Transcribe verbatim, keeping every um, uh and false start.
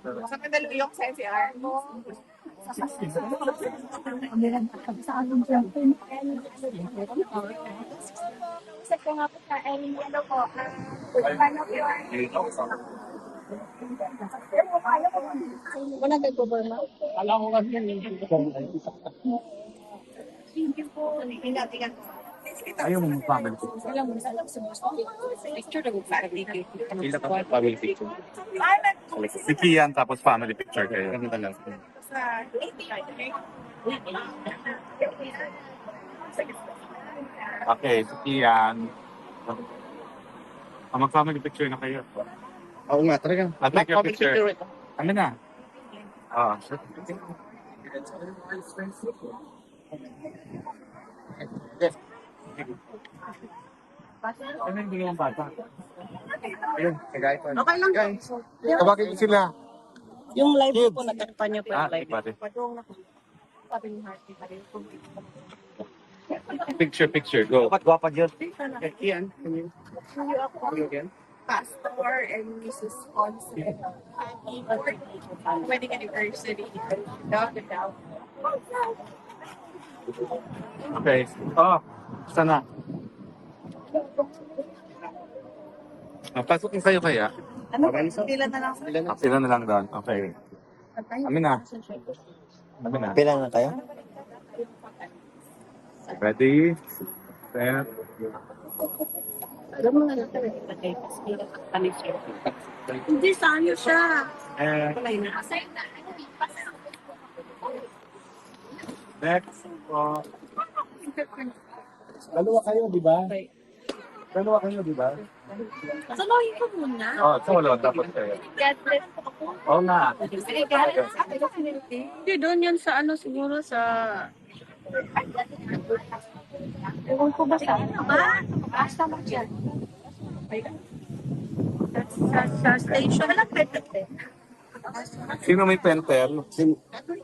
Sa Mandaluyong sa N C R. Sa ko nga po sa Ellen, ano po, ah, paano po yun? Wala kay Goberna. Alam ko kasi thank you po. Ingat-ingat po. Ayaw mo mag-family picture. Wala mo sa picture na family Ilan ka family picture? Ah, Si Kian tapos family picture kayo. Ganun na lang. sa Okay, si Kian. Ah, mag-family picture na kayo. Oo nga, talaga. I'll take your picture. Ano na? Ah, sure. Ano yung dalawang bata? Ayun, kagaya ko. Okay lang. Guys, tawagin ko sila. Yung live po, natakpan niyo po Ah, yung live. pare. Sabi ni Harvey pa rin. Picture, picture, go. Dapat gwapa dyan. Ian, can you, Suyo ako, can you again? Pastor and Missus Ponce. Happy wedding anniversary. Dog and dog. Okay. Oh, sana. Ah, pasok yung kayo kaya? Ano? Pila na lang. Ilan na? Ah, sila na lang doon. Okay. Amin na. Amin na. Bilang na kayo? Ready? Set. Alam mo na natin. Hindi, saan yun siya? And next. Oh. Dalawa kayo, di ba? Dalawa kayo, di ba? Saluhin ko muna. Oh, so wala dapat kayo. God bless po ako. Oo nga. Hindi, doon yun sa ano siguro sa... Ewan ko ba sa ano ba? Basta mo dyan. Sa, sa station. Walang pwede. Sino may pentel?